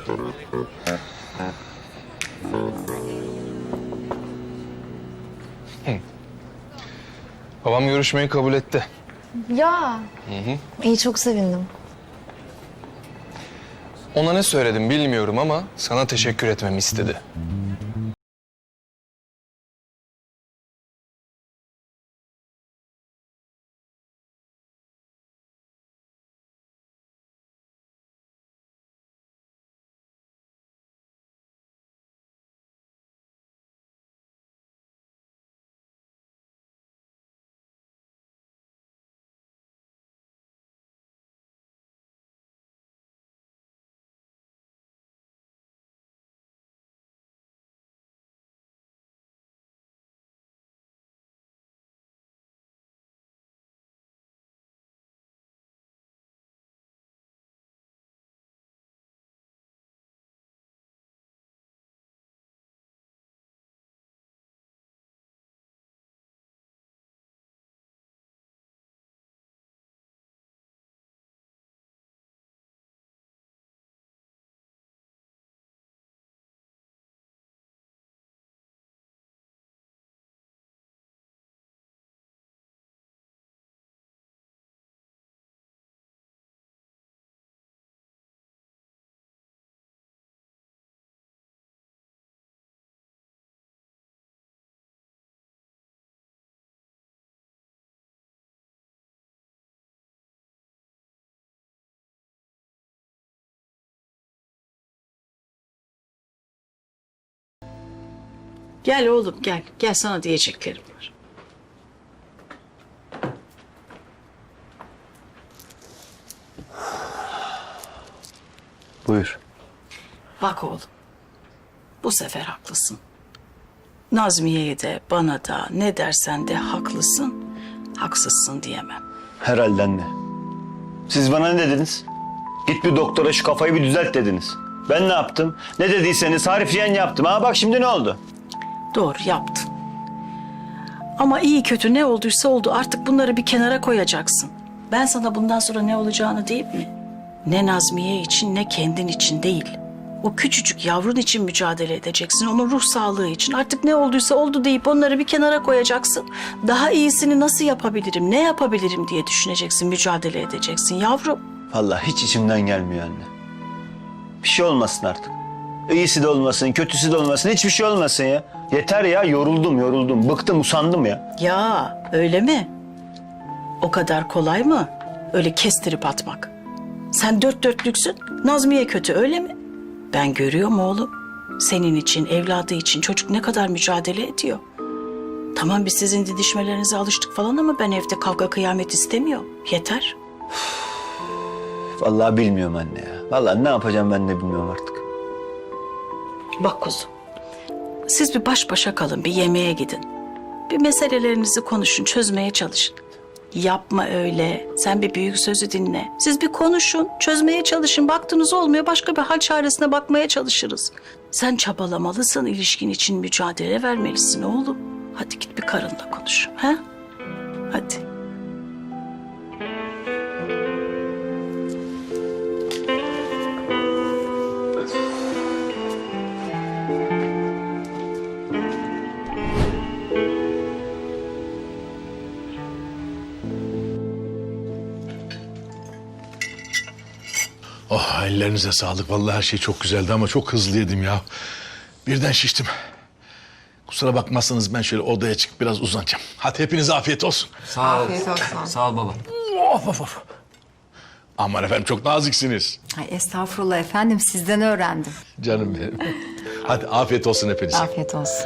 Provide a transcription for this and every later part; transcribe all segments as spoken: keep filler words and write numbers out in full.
Hı. Babam görüşmeyi kabul etti. Ya. Hı hı. İyi, çok sevindim. Ona ne söyledim bilmiyorum ama sana teşekkür etmemi istedi. Gel oğlum gel. Gel, sana diyeceklerim var. Buyur. Bak oğlum. Bu sefer haklısın. Nazmiye'ye de bana da ne dersen de haklısın. Haksızsın diyemem. Herhalde anne. Siz bana ne dediniz? Git bir doktora şu kafayı bir düzelt dediniz. Ben ne yaptım? Ne dediyseniz harfiyen yaptım. Ha bak şimdi ne oldu? Doğru yaptın. Ama iyi kötü ne olduysa oldu. Artık bunları bir kenara koyacaksın. Ben sana bundan sonra ne olacağını diyeyim mi? Ne Nazmiye için ne kendin için değil. O küçücük yavrun için mücadele edeceksin. Onun ruh sağlığı için. Artık ne olduysa oldu deyip onları bir kenara koyacaksın. Daha iyisini nasıl yapabilirim, ne yapabilirim diye düşüneceksin, mücadele edeceksin yavrum. Vallahi hiç içimden gelmiyor anne. Bir şey olmasın artık. İyisi de olmasın, kötüsü de olmasın. Hiçbir şey olmasın ya. Yeter ya, yoruldum, yoruldum. Bıktım, usandım ya. Ya öyle mi? O kadar kolay mı? Öyle kestirip atmak. Sen dört dörtlüksün, Nazmiye kötü öyle mi? Ben görüyorum oğlum. Senin için, evladı için çocuk ne kadar mücadele ediyor. Tamam biz sizin didişmelerinize alıştık falan ama ben evde kavga kıyamet istemiyorum. Yeter. Vallahi bilmiyorum anne ya. Vallahi ne yapacağım ben de bilmiyorum artık. Bak kuzum. Siz bir baş başa kalın, bir yemeğe gidin. Bir meselelerinizi konuşun, çözmeye çalışın. Yapma öyle. Sen bir büyük sözü dinle. Siz bir konuşun, çözmeye çalışın. Baktınız olmuyor, başka bir hal çaresine bakmaya çalışırız. Sen çabalamalısın, ilişkin için mücadele vermelisin oğlum. Hadi git bir karınla konuş. Ha? Hadi. Oh ellerinize sağlık. Vallahi her şey çok güzeldi ama çok hızlı yedim ya. Birden şiştim. Kusura bakmazsanız ben şöyle odaya çıkıp biraz uzanacağım. Hadi hepinize afiyet olsun. Sağ ol. Afiyet olsun. Sağ ol baba. Of of of. Aman efendim çok naziksiniz. Ay estağfurullah efendim, sizden öğrendim. Canım benim. Hadi afiyet olsun hepinize. Afiyet olsun.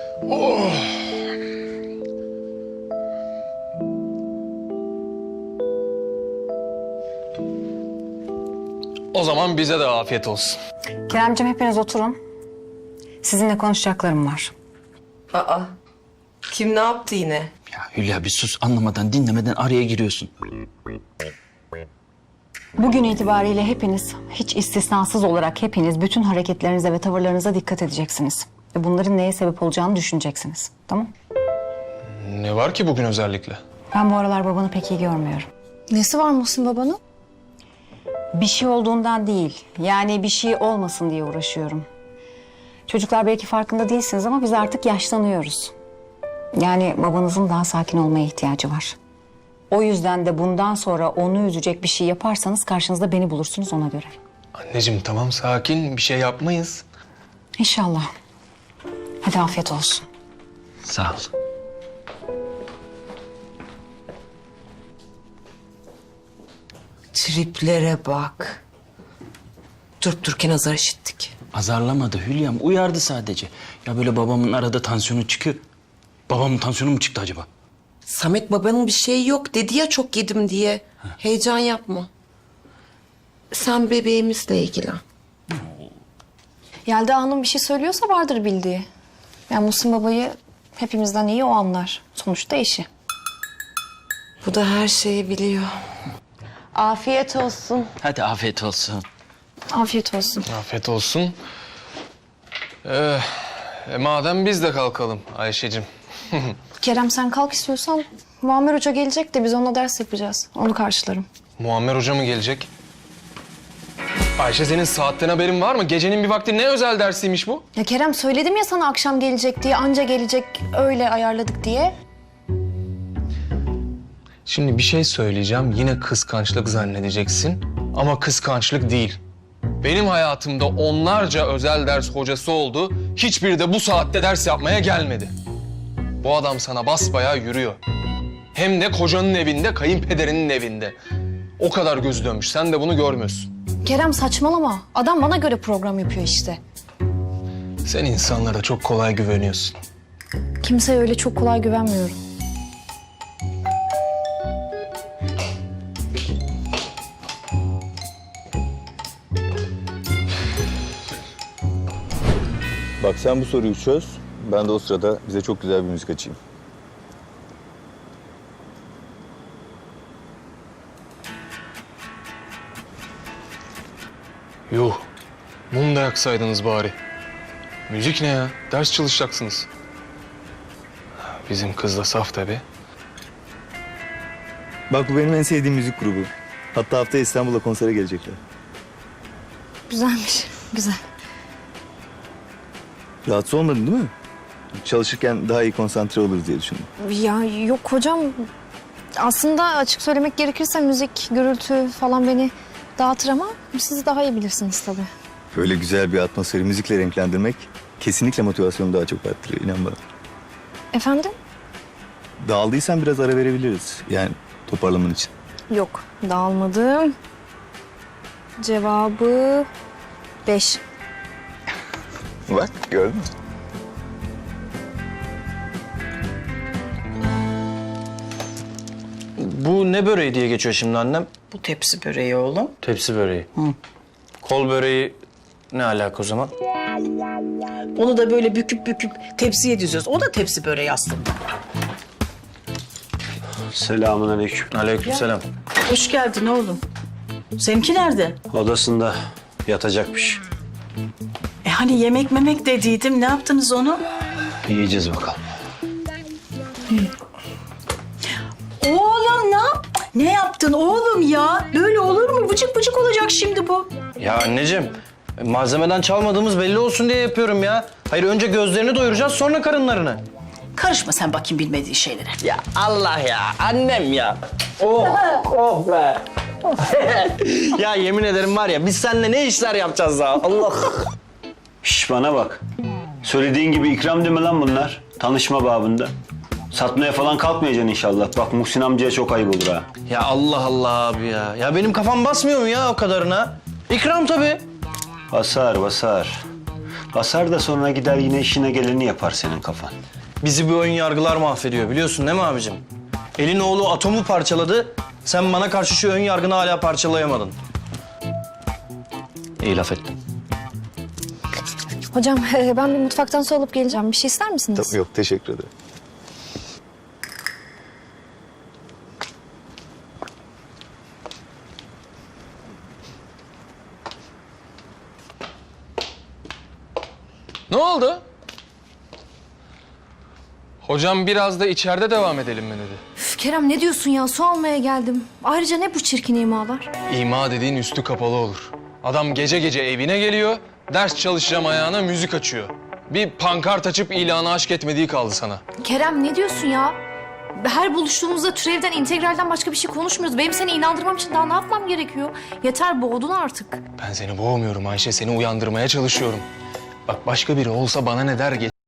O zaman bize de afiyet olsun. Keremciğim hepiniz oturun. Sizinle konuşacaklarım var. Aa, kim ne yaptı yine? Ya Hülya bir sus, anlamadan dinlemeden araya giriyorsun. Bugün itibariyle hepiniz, hiç istisnasız olarak hepiniz bütün hareketlerinize ve tavırlarınıza dikkat edeceksiniz. Ve bunların neye sebep olacağını düşüneceksiniz. Tamam? Ne var ki bugün özellikle? Ben bu aralar babanı pek iyi görmüyorum. Nesi var Muhsin babanın? Bir şey olduğundan değil. Yani bir şey olmasın diye uğraşıyorum. Çocuklar belki farkında değilsiniz ama biz artık yaşlanıyoruz. Yani babanızın daha sakin olmaya ihtiyacı var. O yüzden de bundan sonra onu üzecek bir şey yaparsanız karşınızda beni bulursunuz ona göre. Anneciğim tamam sakin bir şey yapmayız. İnşallah. Hadi afiyet olsun. Sağ ol. Triplere bak. Durup dururken azar işittik. Azarlamadı Hülya'm, uyardı sadece. Ya böyle babamın arada tansiyonu çıkıyor. Babamın tansiyonu mu çıktı acaba? Samet babanın bir şeyi yok dedi ya çok yedim diye. Heyecan yapma. Sen bebeğimizle ilgilen. Yelda Hanım bir şey söylüyorsa vardır bildiği. Yani Muhsin babayı hepimizden iyi o anlar. Sonuçta eşi. Bu da her şeyi biliyor. Afiyet olsun. Hadi afiyet olsun. Afiyet olsun. Afiyet olsun. Ee, e, madem biz de kalkalım Ayşe'cim. Kerem sen kalk istiyorsan Muammer Hoca gelecek de biz onunla ders yapacağız. Onu karşılarım. Muammer Hoca mı gelecek? Ayşe senin saatten haberin var mı? Gecenin bir vakti ne özel dersiymiş bu? Ya Kerem söyledim ya sana akşam gelecek diye, anca gelecek öyle ayarladık diye. Şimdi bir şey söyleyeceğim. Yine kıskançlık zannedeceksin. Ama kıskançlık değil. Benim hayatımda onlarca özel ders hocası oldu. Hiçbiri de bu saatte ders yapmaya gelmedi. Bu adam sana basbayağı yürüyor. Hem de kocanın evinde, kayınpederinin evinde. O kadar gözü dönmüş. Sen de bunu görmüyorsun. Kerem saçmalama. Adam bana göre program yapıyor işte. Sen insanlara çok kolay güveniyorsun. Kimseye öyle çok kolay güvenmiyorum. Bak sen bu soruyu çöz. Ben de o sırada bize çok güzel bir müzik açayım. Yuh. Mum da yaksaydınız bari. Müzik ne ya? Ders çalışacaksınız. Bizim kız da saf tabii. Bak bu benim en sevdiğim müzik grubu. Hatta haftaya İstanbul'a konsere gelecekler. Güzelmiş. Güzel. Rahatsız olmadın değil mi? Çalışırken daha iyi konsantre oluruz diye düşündüm. Ya yok hocam. Aslında açık söylemek gerekirse müzik, gürültü falan beni dağıtır ama siz daha iyi bilirsiniz tabii. Böyle güzel bir atmosferi müzikle renklendirmek kesinlikle motivasyonu daha çok arttırıyor, inan bana. Efendim? Dağıldıysan biraz ara verebiliriz. Yani toparlaman için. Yok, dağılmadım. Cevabı beş. Bak gördün mü? Bu ne böreği diye geçiyor şimdi annem? Bu tepsi böreği oğlum. Tepsi böreği. Kol böreği ne alaka o zaman? Onu da böyle büküp büküp tepsiye diziyoruz. O da tepsi böreği aslında. Selamun aleyküm. Aleykümselam. Hoş geldin oğlum. Seninki nerede? Odasında yatacakmış. E hani yemek memek dediydim. Ne yaptınız onu? Yiyeceğiz bakalım. Oğlum ne yap? Ne yaptın oğlum ya? Böyle olur mu? Bıcık bıcık olacak şimdi bu. Ya anneciğim malzemeden çalmadığımız belli olsun diye yapıyorum ya. Hayır önce gözlerini doyuracağız sonra karınlarını. Karışma sen bakayım bilmediğin şeylere. Ya Allah ya annem ya. Oh oh be. Ya yemin ederim var ya biz seninle ne işler yapacağız ya Allah. Şş bana bak. Söylediğin gibi ikram deme lan bunlar. Tanışma babında. Satmaya falan kalkmayacaksın inşallah. Bak Muhsin amcaya çok ayıp olur ha. Ya Allah Allah abi ya. Ya benim kafam basmıyor mu ya o kadarına? İkram tabii. Basar basar. Basar da sonra gider yine işine geleni yapar senin kafan. Bizi bu ön yargılar mahvediyor biliyorsun değil mi abicim? Elin oğlu atomu parçaladı. Sen bana karşı şu ön yargını hala parçalayamadın. İyi laf ettin. Hocam ben bir mutfaktan su alıp geleceğim. Bir şey ister misiniz? Tabii, yok teşekkür ederim. Ne oldu? Hocam biraz da içeride devam edelim mi dedi. Üf, Kerem ne diyorsun ya? Su almaya geldim. Ayrıca ne bu çirkin imalar? İma dediğin üstü kapalı olur. Adam gece gece evine geliyor, ders çalışacağım ayağına müzik açıyor. Bir pankart açıp ilanı aşk etmediği kaldı sana. Kerem ne diyorsun ya? Her buluştuğumuzda türevden, integralden başka bir şey konuşmuyoruz. Benim seni inandırmam için daha ne yapmam gerekiyor? Yeter, boğdun artık. Ben seni boğmuyorum Ayşe, seni uyandırmaya çalışıyorum. Bak başka biri olsa bana ne der geç.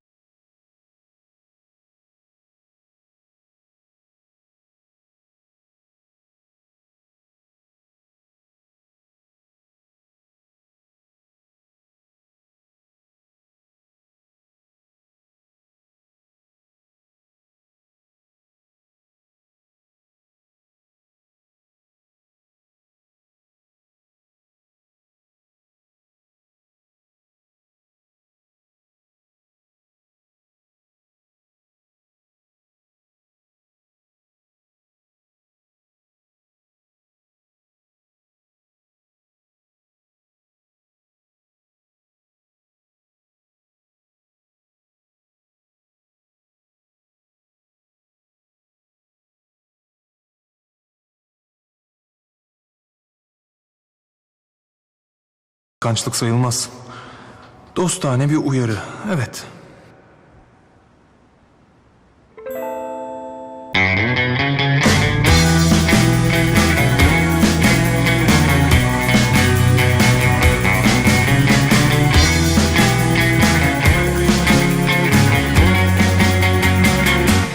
Kıskançlık sayılmaz. Dostane bir uyarı, evet.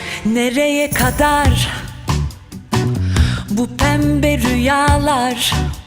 Nereye kadar bu pembe rüyalar?